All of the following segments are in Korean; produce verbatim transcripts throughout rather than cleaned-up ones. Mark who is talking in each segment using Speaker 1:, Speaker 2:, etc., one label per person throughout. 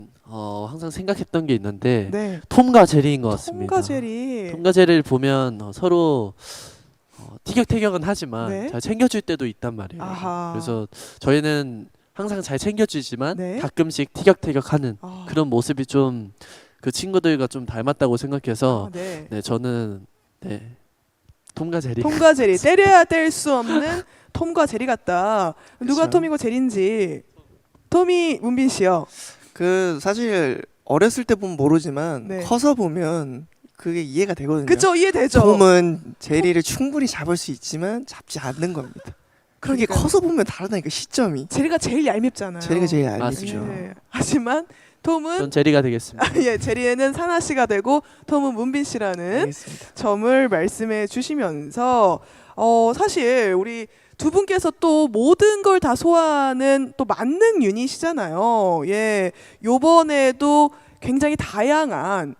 Speaker 1: 어, 항상 생각했던 게 있는데
Speaker 2: 네.
Speaker 1: 톰과 제리인 것 같습니다.
Speaker 2: 톰과 제리.
Speaker 1: 톰과 제리를 보면 어, 서로 어, 티격태격은 하지만
Speaker 2: 네.
Speaker 1: 잘 챙겨줄 때도 있단 말이에요.
Speaker 2: 아하.
Speaker 1: 그래서 저희는 항상 잘 챙겨주지만
Speaker 2: 네.
Speaker 1: 가끔씩 티격태격하는
Speaker 2: 아.
Speaker 1: 그런 모습이 좀 그 친구들과 좀 닮았다고 생각해서
Speaker 2: 아, 네.
Speaker 1: 네 저는 네 톰과 제리.
Speaker 2: 톰과 제리 때려야 뗄 수 없는 톰과 제리 같다. 누가
Speaker 3: 그쵸.
Speaker 2: 톰이고 제리인지. 톰이 문빈 씨요.
Speaker 3: 그 사실 어렸을 때 보면 모르지만
Speaker 2: 네.
Speaker 3: 커서 보면 그게 이해가 되거든요.
Speaker 2: 그쵸, 이해되죠.
Speaker 3: 톰은 제리를 충분히 잡을 수 있지만 잡지 않는 겁니다. 그게
Speaker 2: 그러니까요.
Speaker 3: 커서 보면 다르다니까 시점이.
Speaker 2: 제리가 제일 얄밉잖아요.
Speaker 3: 제리가 제일 얄밉죠.
Speaker 1: 맞습니다.
Speaker 2: 예. 하지만 톰은
Speaker 1: 전 제리가 되겠습니다.
Speaker 2: 예, 제리에는 사나 씨가 되고 톰은 문빈 씨라는
Speaker 3: 알겠습니다.
Speaker 2: 점을 말씀해 주시면서 어 사실 우리 두 분께서 또 모든 걸 다 소화하는 또 만능 유닛이잖아요. 예. 요번에도 굉장히 다양한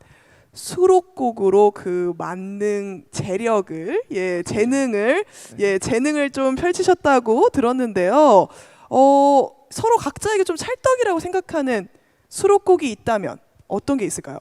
Speaker 2: 수록곡으로 그 만능 재력을 예, 재능을 예, 재능을 좀 펼치셨다고 들었는데요. 어, 서로 각자에게 좀 찰떡이라고 생각하는 수록곡이 있다면 어떤 게 있을까요?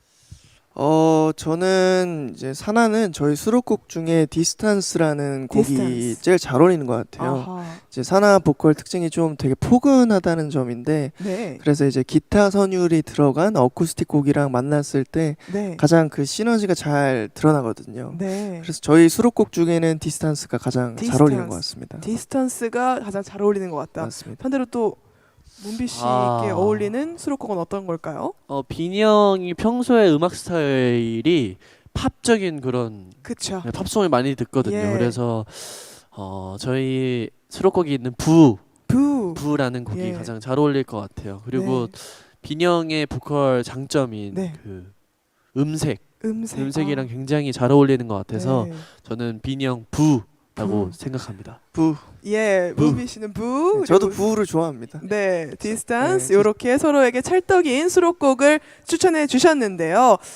Speaker 3: 어 저는 이제 사나는 저희 수록곡 중에 디스턴스라는 곡이
Speaker 2: 디스턴스.
Speaker 3: 제일 잘 어울리는 것 같아요.
Speaker 2: 아하.
Speaker 3: 이제 사나 보컬 특징이 좀 되게 포근하다는 점인데
Speaker 2: 네.
Speaker 3: 그래서 이제 기타 선율이 들어간 어쿠스틱 곡이랑 만났을 때
Speaker 2: 네.
Speaker 3: 가장 그 시너지가 잘 드러나거든요.
Speaker 2: 네.
Speaker 3: 그래서 저희 수록곡 중에는 디스턴스가 가장
Speaker 2: 디스턴스.
Speaker 3: 잘 어울리는 것 같습니다.
Speaker 2: 디스턴스가 가장 잘 어울리는 것 같다.
Speaker 3: 맞습니다.
Speaker 2: 반대로 또 문비 씨께
Speaker 1: 아.
Speaker 2: 어울리는 수록곡은 어떤 걸까요?
Speaker 1: 어, 빈이 형이 평소에 음악 스타일이 팝적인 그런
Speaker 2: 그쵸.
Speaker 1: 네, 팝송을 많이 듣거든요.
Speaker 2: 예.
Speaker 1: 그래서 어, 저희 수록곡이 있는 부
Speaker 2: 부.
Speaker 1: 부라는 곡이
Speaker 2: 예.
Speaker 1: 가장 잘 어울릴 것 같아요. 그리고
Speaker 2: 네.
Speaker 1: 빈이 형의 보컬 장점인
Speaker 2: 네.
Speaker 1: 그 음색,
Speaker 2: 음색.
Speaker 1: 음색이랑
Speaker 2: 아.
Speaker 1: 굉장히 잘 어울리는 것 같아서
Speaker 2: 네.
Speaker 1: 저는 빈이 형 부라고
Speaker 2: 부.
Speaker 1: 생각합니다.
Speaker 3: 부.
Speaker 2: 예,
Speaker 1: 부.
Speaker 2: 문비 씨는 부.
Speaker 3: 네, 저도
Speaker 2: 그리고
Speaker 3: 부를 좋아합니다.
Speaker 2: 네, 디스턴스
Speaker 3: 네,
Speaker 2: 이렇게 서로에게 찰떡인 수록곡을 추천해 주셨는데요.